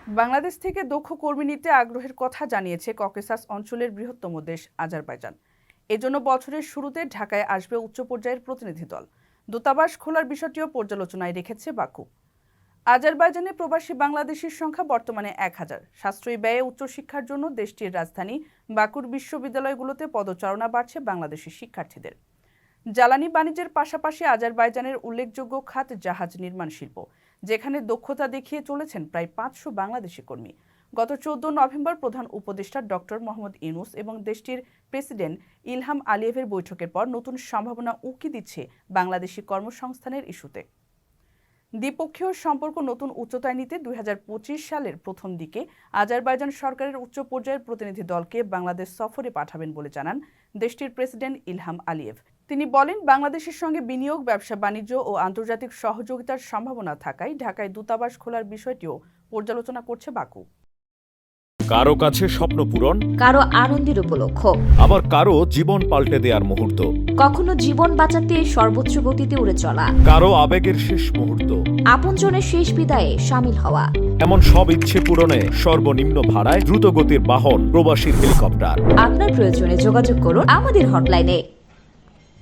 বাংলাদেশ থেকে দক্ষ কর্মী নিতে আগ্রহের কথা জানিয়েছে ককেসাস অঞ্চলের বৃহত্তম দেশ আজারবাইজান। এজন্য বছরের শুরুতে ঢাকায় আসবে উচ্চ পর্যায়ের প্রতিনিধি দল। দূতাবাস খোলার বিষয়টিও পর্যালোচনায় রেখেছে বাকু। আজারবাইজানে প্রবাসী বাংলাদেশির সংখ্যা বর্তমানে 1000। সাশ্রয়ী ব্যয়ে উচ্চশিক্ষার জন্য দেশটির রাজধানী বাকুর বিশ্ববিদ্যালয়গুলোতে পদচারণা বাড়ছে বাংলাদেশি শিক্ষার্থীদের। জ্বালানি বাণিজ্যের পাশাপাশি আজারবাইজানের উল্লেখযোগ্য খাত জাহাজ নির্মাণ শিল্প, যেখানে দক্ষতা দেখিয়ে চলেছেন প্রায় 500 বাংলাদেশি কর্মী। গত 14 নভেম্বর প্রধান উপদেষ্টা ডক্টর মোহাম্মদ ইউনূস এবং দেশটির প্রেসিডেন্ট ইলহাম আলিয়েভের বৈঠকের পর নতুন সম্ভাবনা উঁকি দিচ্ছে বাংলাদেশি কর্মসংস্থানের ইস্যুতে। দ্বিপক্ষীয় সম্পর্ক নতুন উচ্চতায় নিতে 2025 সালের প্রথম দিকে আজারবাইজান সরকারের উচ্চ পর্যায়ের প্রতিনিধি দলকে বাংলাদেশ সফরে পাঠাবেন বলে জানান দেশটির প্রেসিডেন্ট ইলহাম আলিয়েভ। তিনি বলেন, বাংলাদেশের সঙ্গে বিনিয়োগ, ব্যবসা বাণিজ্য ও আন্তর্জাতিক সহযোগিতার সম্ভাবনা থাকায় ঢাকায় দূতাবাস খোলার বিষয়টিও পর্যালোচনা করছে বাকু। কারো কাছে স্বপ্ন পূরণ, কারো আনন্দের উপলক্ষ, আবার কারো জীবন পাল্টে দেওয়ার মুহূর্ত, কখনো জীবন বাঁচাতে সর্বোচ্চ গতিতে উড়ে চলা, কারো আবেগের শেষ মুহূর্ত, আপনজনের শেষ বিদায়ে শামিল হওয়া। এমন সব ইচ্ছে পূরণে সর্বনিম্ন ভাড়ায় দ্রুতগতির বাহন প্রবাসীর হেলিকপ্টার। আপনার প্রয়োজনে যোগাযোগ করুন আমাদের হটলাইনে।